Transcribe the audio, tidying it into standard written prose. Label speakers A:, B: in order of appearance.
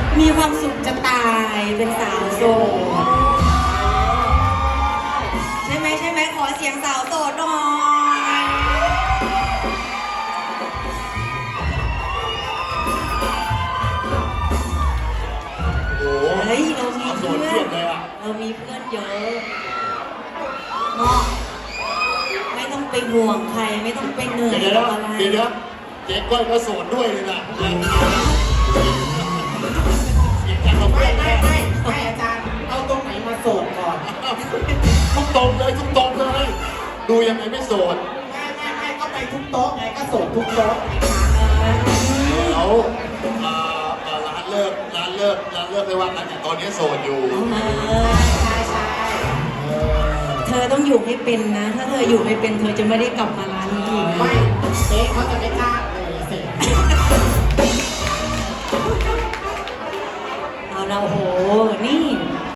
A: มีความสุขจะตายเป็นสาวโสดใช่ไหมใช่ไหมขอเสียงสาวโสดหน่อย
B: โอ้โห
A: เฮ้ยเรามี
B: โส
A: เพื่
B: ด
A: อ
B: เพียบเลยอ่ะ
A: เรามีเพื่อนเยอะเนาะไม่ต้องไปห่วงใครไม่ต้องไปเหนื่อย
B: เดี๋ยว
A: กับ
B: นะ
A: อะไร
B: เดี๋ยวนะเจ๊ก้อยก็โสดด้วยเลยนะเสียงจากเรา
C: ไม่
B: เพื่อน
C: ไม่อาจารย์เอาตรงไหนมาโสดก่อน
B: ทุกตรงเลยทุกตรงเลย ดูยังไงไม่โสด
C: ไม่ก็ไปทุกโต๊ะไงก็โสดทุกโต๊ะ
B: แล้วร้านเลิกไม่ว่ากันแต่ตอนนี้โสดอยู่
C: ใช่ใช่
A: เธอต้องอยู่ให้เป็นนะ ถ้าเธออยู่ไม่เป็นเธอจะไม่ได้กลับมาร้านนี้อีก
C: ไม่เจ๊เขาจะไม่กล้าเลยเสร็จ
A: เอาเราโห นี่